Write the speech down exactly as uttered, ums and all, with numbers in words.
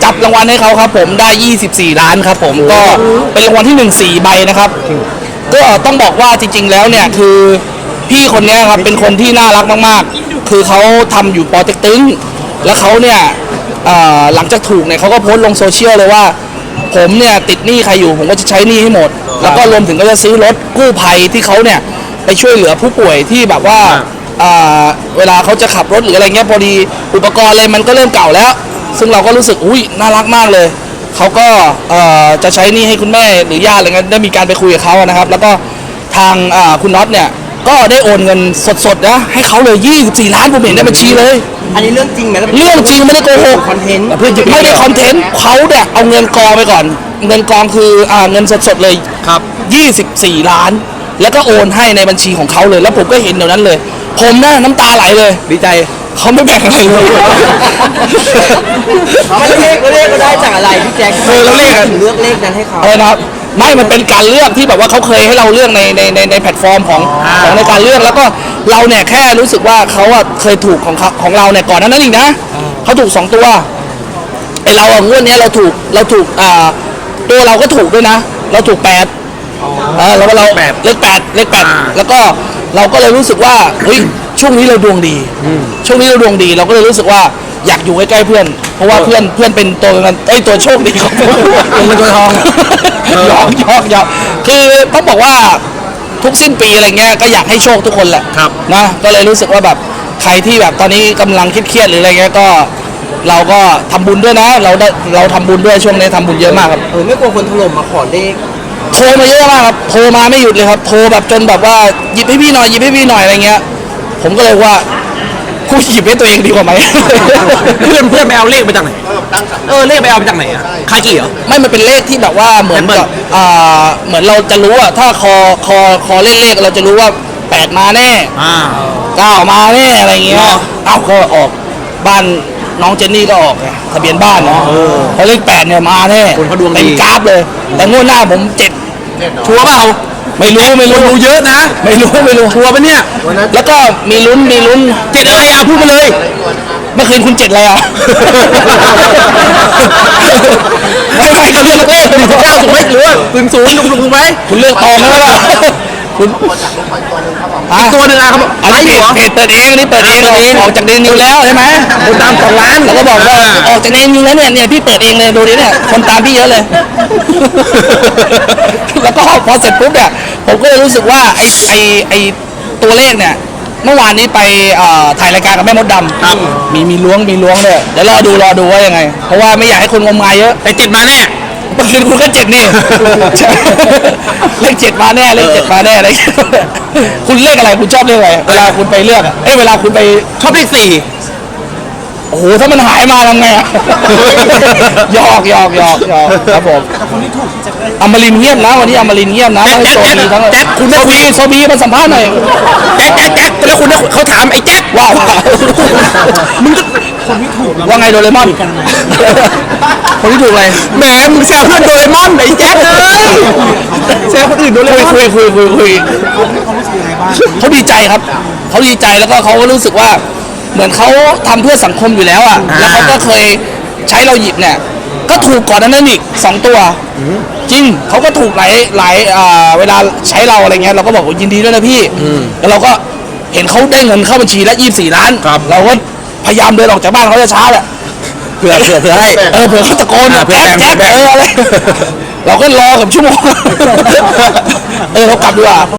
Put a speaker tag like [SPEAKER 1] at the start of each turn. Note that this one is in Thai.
[SPEAKER 1] จับรางวัลให้เขาครับผมได้ยี่สิบสี่ล้านครับผมก็เป็นรางวัลที่หนึ่ง สี่ใบนะครับก็ต้องบอกว่าจริงๆแล้วเนี่ยคือพี่คนนี้ครับเป็นคนที่น่ารักมากๆคือเขาทำอยู่ปอเต็กตึงแล้วเขาเนี่ยหลังจากถูกเนี่ยเขาก็โพสต์ลงโซเชียลเลยว่าผมเนี่ยติดหนี้ใครอยู่ผมก็จะใช้หนี้ให้หมดแล้วก็รวมถึงก็จะซื้อรถกู้ภัยที่เขาเนี่ยไปช่วยเหลือผู้ป่วยที่แบบว่าเวลาเขาจะขับรถหรืออะไรเงี้ยพอดีอุปกรณ์อะไรมันก็เริ่มเก่าแล้วซึ่งเราก็รู้สึกอุ้ยน่ารักมากเลยเขาก็จะใช้หนี้ให้คุณแม่หรือญาติอะไรเงี้ยได้มีการไปคุยกับเขานะครับแล้วก็ทางคุณน็อตเนี่ยก็ได้โอนเงินสดๆนะให้เขาเลยยี่สิบสี่ล้านผมเห็นในบัญชีเลย
[SPEAKER 2] อันนี้เรื่องจริงไหม
[SPEAKER 1] เรื่องจริงไม่ได้โกหก
[SPEAKER 2] คอนเทนต์
[SPEAKER 1] ไม่ได้คอนเทนต์เขาเนี่ยเอาเงินกองไปก่อนเงินกองคืออ่าเงินสดๆเลย
[SPEAKER 3] ครับ
[SPEAKER 1] ยี่สิบสี่ล้านแล้วก็โอนให้ในบัญชีของเขาเลยแล้วผมก็เห็นเดี๋ยวนั้นเลยผมน่ะน้ำตาไหลเลย
[SPEAKER 3] ดีใจ
[SPEAKER 1] เขาไม่แบ่งอะไรเลย
[SPEAKER 2] เลขเลขก็ได้จากอะไรพี่แจ็คเออแล้วเลขถึงเลือกเลขนั้นให้เขา
[SPEAKER 1] เออครับไม่มันเป็นการเลือกที่แบบว่าเขาเคยให้เราเลือกในในในในแพลตฟอร์มของของในการเลือกแล้วก็เราเนี่ยแค่รู้สึกว่าเขาอะเคยถูกของของเราเนี่ยก่อนนั้นอีกนะเขาถูกสองตัวไอเราอะงวดนี้เราถูกเราถูกอ่าตัวเราก็ถูกด้วยนะเราถูกแปดเออแล้วเราเลขแปดเลขแปดแล้วก็เราก็เลยรู้สึกว่าเฮ้ยช่วงนี้เราดวงดีช่วงนี้เราดวงดีเราก็เลยรู้สึกว่าอยากอยู่ใกล้ๆเพื่อนเพราะว่าเพื่อนเพื่อนเป็นตัวกันไอ้ตัวโชคดีของ
[SPEAKER 3] เป็นตัวทอง
[SPEAKER 1] ยอกยอกยอกคือต้องบอกว่าทุกสิ้นปีอะไรเงี้ยก็อยากให้โชคทุกคนแหละนะก็เลยรู้สึกว่าแบบใครที่แบบตอนนี้กำลังเครียดๆหรืออะไรเงี้ยก็เราก็ทำบุญด้วยนะเราได้เราทำบุญด้วยช่วงนี้ทำบุญเยอะมากครับ
[SPEAKER 2] เออไม่กลัวคนถล่มมาขอเลข
[SPEAKER 1] โทรมาเยอะมากครับโทรมาไม่หยุดเลยครับโทรแบบจนแบบว่าหยิบให้พี่หน่อยหยิบให้พี่หน่อยอะไรเงี้ยผมก็เลยว่ากูหยิบให้ตัวเองดีกว่าไหม
[SPEAKER 3] เพื่อนเพื่อนไปเอาเลขมาจากไหนเออเลขไปเอามาจากไหนอ่ะคากี่เหรอ
[SPEAKER 1] ไม่มันเป็นเลขที่แบบว่าเหมือนกับอ่าเหมือนเราจะรู้อะถ้าคอคอคอเลขเลขเราจะรู้ว่าแปดมาแน่เก้ามาแน่อะไรเงี้ยเอ้าก็ออกบ้านน้องเจนนี่ก็ออกไงทะเบียนบ้านเนาะเพราะเลขแปดเนี่ยมาแน่เป็นกราฟเลยแต่งวดหน้าผมเจ็ด
[SPEAKER 3] ชัวร์เปล่า
[SPEAKER 1] ไม่รู้ไม่รู้
[SPEAKER 3] รู้เยอะนะ
[SPEAKER 1] ไม่รู้ไม่รู้
[SPEAKER 3] ชัวร์ปะเนี่ย
[SPEAKER 1] แล้วก็มีลุ้นมีลุ้น
[SPEAKER 3] เจ็ดอะไรอ่ะพูดมาเลย
[SPEAKER 1] เมื่อคืนคุณเจ็ดอะไรอ่ะไม่ไม่
[SPEAKER 3] เขาเลือกเลขหนึ่งถึงเก้าถูกไหมหรือว่าศูนย์ศูนย์ถูกถูกไหม
[SPEAKER 1] คุณเลือกตองแล้วล่ะคุณ
[SPEAKER 3] อีกตัวหนึ่งอ่ะเขาบอก
[SPEAKER 1] อันนี้เพจเปิดเองนี่เปิดเองออกจากเดนิวแล้วใช่ไหม
[SPEAKER 3] คนตามสองล้าน
[SPEAKER 1] แล้วก็บอกว่าออกจากเดนิวแล้วเนี่ยเนี่ยพี่เปิดเองเลยดูดิเนี่ยคนตามพี่เยอะเลยแล้วก็พอเสร็จปุ๊บเนี่ยผมก็เลยรู้สึกว่าไอไอไอตัวเลขเนี่ยเมื่อวานนี้ไปถ่ายรายการกับแม่มดดำมีมีล้วงมีล้วงเลยเดี๋ยวรอดูรอดูว่ายังไงเพราะว่าไม่อยากให้คนงมงายเยอะ
[SPEAKER 3] ไอเจ็ดมาแน่
[SPEAKER 1] เมื่อคืนคุณก็เจ็ดนี่เลขเจ็ดมาแน่เลขเจ็ดมาแน่อะไรคุณเลขอะไรคุณชอบเลขอะไรเวลาคุณไปเลือกเอ้เวลาคุณไป
[SPEAKER 3] ชอบเลขสี่
[SPEAKER 1] โอ้โหถ้ามันหายมาทำไงอะหยอกหยอกหยอกหยอกครับผมแต่คนที่ถูกจะได้อมรินเงียบนะวันนี้อมรินเงียบนะให้โซบีทั้ง
[SPEAKER 3] แจ็คคุณ
[SPEAKER 1] โซบีโซบีมาสัมภาษณ์หน่อย
[SPEAKER 3] แจ็คแจ็คแจ็คแล้วคุณเขาถามไอ้แจ็ค
[SPEAKER 1] ว้าวมึงคนที่ถูกว่าไงโดเรมอนคนที่ถูกอะไร
[SPEAKER 3] แหมมึงแซวเพื่อนโดเรมอนไอ้แจ็คเลยแซวคนอื่นโดเรมอน
[SPEAKER 1] คุยคุยคุยคุยเขาดีใจครับเขาดีใจแล้วก็เขาก็รู้สึกว่าเหมือนเขาทำเพื่อสังคมอยู่แล้วอ่ะแล้วเขาก็เคยใช้เราหยิบเนี่ยก็ถูกก่อนนั้นอีกสองตัวจริงเขาก็ถูกหลายหลายเวลาใช้เราอะไรเงี้ยเราก็บอกยินดีด้วยนะพี่แล้วเราก็เห็นเขาได้เงินเข้าบัญชีแล้วยี่สิบสี่ล้านเราก็พยายามเดินออกจากบ้านเขาจะช้าแหละ
[SPEAKER 3] เผื่อเผื่อเผื่อให้
[SPEAKER 1] เออเผื่อเขาตะโกนแจ๊กแจ๊กเอออะไรเราก็รอกับชั่วโมงเออเขากลับดีกว่า